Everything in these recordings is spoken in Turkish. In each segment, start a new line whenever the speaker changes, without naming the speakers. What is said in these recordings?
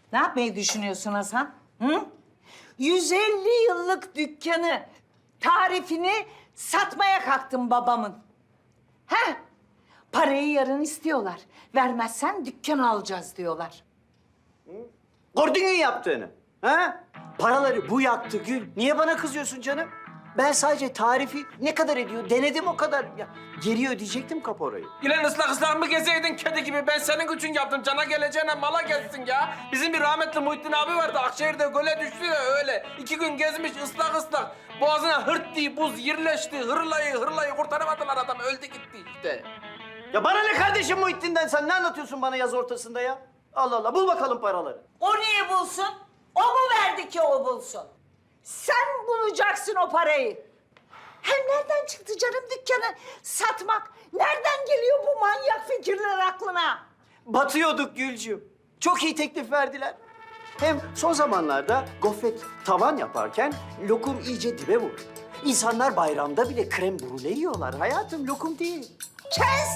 Ne yapmayı düşünüyorsun Hasan? Hı? 150 yıllık dükkanı, tarifini satmaya kalktın babamın. He? Parayı yarın istiyorlar. Vermezsen dükkan alacağız diyorlar.
Gördün mü yaptığını? Ha? Paraları bu yaktı Gül. Niye bana kızıyorsun canım? Ben sadece tarifi ne kadar ediyor denedim o kadar. Ya, geri ödeyecektim kaporayı.
İlan ıslak mı gezeydin kedi gibi? Ben senin için yaptım. Cana geleceğine mala gezsin ya. Bizim bir rahmetli Muhittin abi vardı. Akşehir'de göle düştü ya öyle. 2 gün gezmiş ıslak. Boğazına hırt diye buz yerleşti. Hırlayı kurtaramadılar adam. Öldü gitti işte.
Ya bana ne kardeşim Muhittin'den? Sen ne anlatıyorsun bana yaz ortasında ya? Allah Allah, bul bakalım paraları.
O niye bulsun? O mu verdi ki o bulsun? Sen bulacaksın o parayı. Hem nereden çıktı canım dükkanı satmak? Nereden geliyor bu manyak fikirler aklına?
Batıyorduk Gülcüğüm. Çok iyi teklif verdiler. Hem son zamanlarda gofret tavan yaparken lokum iyice dibe vurdu. İnsanlar bayramda bile krem brûlée yiyorlar. Hayatım lokum değil.
Kes!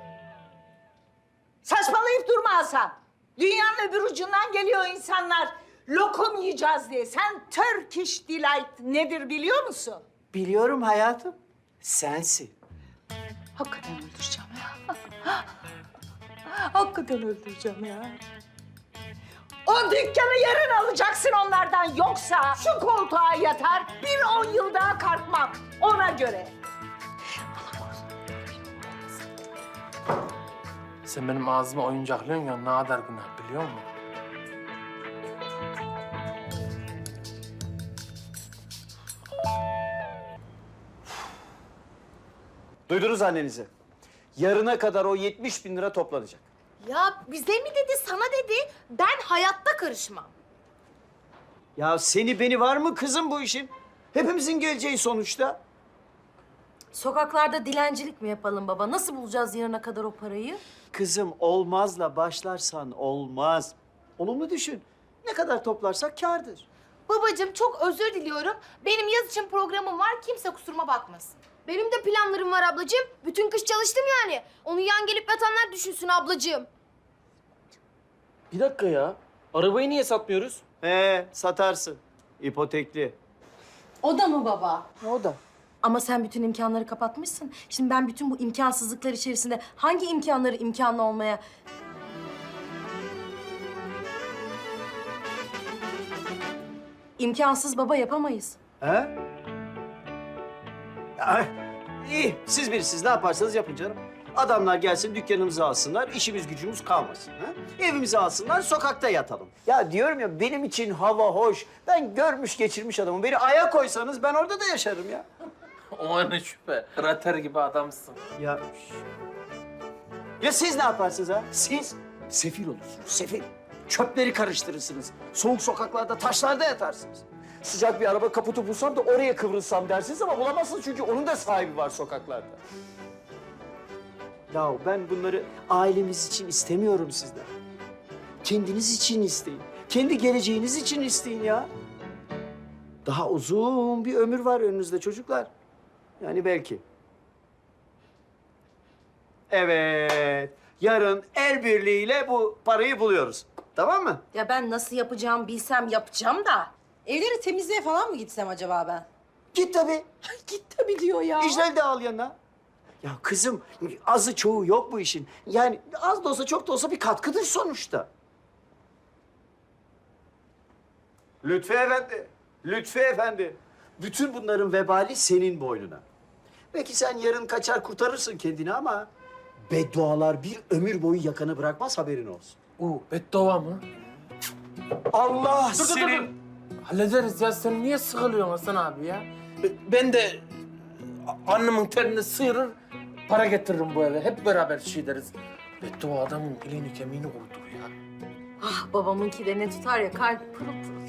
Saçmalayıp durma Hasan. Dünyanın öbür ucundan geliyor insanlar. Lokum yiyeceğiz diye. Sen Turkish Delight nedir biliyor musun?
Biliyorum hayatım. Sensin.
Hakikaten öldüreceğim ya. Hakikaten öldüreceğim ya. O dükkanı yarın alacaksın onlardan. Yoksa şu koltuğa yatar, 10 yıl daha kalkmam. Ona göre.
Sen benim ağzıma oyuncaklıyorsun ya. Ne kadar günah biliyor musun?
Duydunuz annenizi. Yarına kadar o 70.000 lira toplanacak.
Ya bize mi dedi, sana dedi? Ben hayatta karışmam.
Ya seni beni var mı kızım bu işin? Hepimizin geleceği sonuçta.
Sokaklarda dilencilik mi yapalım baba? Nasıl bulacağız yarına kadar o parayı?
Kızım olmazla başlarsan olmaz. Olumlu düşün. Ne kadar toplarsak kârdır.
Babacığım çok özür diliyorum. Benim yaz için programım var. Kimse kusuruma bakmasın. Benim de planlarım var ablacığım. Bütün kış çalıştım yani. Onu yan gelip yatanlar düşünsün ablacığım.
Bir dakika ya. Arabayı niye satmıyoruz?
Satarsın. İpotekli.
O da mı baba?
O da.
Ama sen bütün imkanları kapatmışsın. Şimdi ben bütün bu imkansızlıklar içerisinde hangi imkanları imkanlı olmaya... İmkansız baba yapamayız.
He? Ya, iyi. Siz bilirsiniz. Ne yaparsanız yapın canım. Adamlar gelsin dükkanımızı alsınlar, işimiz gücümüz kalmasın. Ha? Evimizi alsınlar, sokakta yatalım. Ya diyorum ya benim için hava hoş. Ben görmüş geçirmiş adamım. Beni aya koysanız ben orada da yaşarım ya.
O ne şüphe. Krater gibi adamsın.
Ya, ya siz ne yaparsınız ha? Siz sefil olursunuz, sefil. Çöpleri karıştırırsınız. Soğuk sokaklarda, taşlarda yatarsınız. Sıcak bir araba kaputu bulsam da oraya kıvrılsam dersiniz ama bulamazsınız çünkü onun da sahibi var sokaklarda. Ya ben bunları ailemiz için istemiyorum sizden. Kendiniz için isteyin. Kendi geleceğiniz için isteyin ya. Daha uzun bir ömür var önünüzde çocuklar. Yani belki. Evet. Yarın el birliğiyle bu parayı buluyoruz. Tamam mı?
Ya ben nasıl yapacağım bilsem yapacağım da.
Evleri temizliğe falan mı gitsem acaba ben?
Git tabii.
Git tabii diyor ya.
İclal de al yanına. Ya kızım azı çoğu yok bu işin. Yani az da olsa çok da olsa bir katkıdır sonuçta. Lütfi Efendi, Lütfi Efendi. Bütün bunların vebali senin boynuna. Belki sen yarın kaçar kurtarırsın kendini ama... beddualar bir ömür boyu yakanı bırakmaz haberin olsun.
Beddua mı?
Allah
Dur. Hallederiz ya. Sen niye sıkılıyorsun Hasan abi ya? Ben de annemin terini sıyırır, para getiririm bu eve. Hep beraber şey deriz. Beddua adamın iliğini kemiğini kurutur ya.
Ah babamınki de ne tutar ya kalp pırıl pırıl.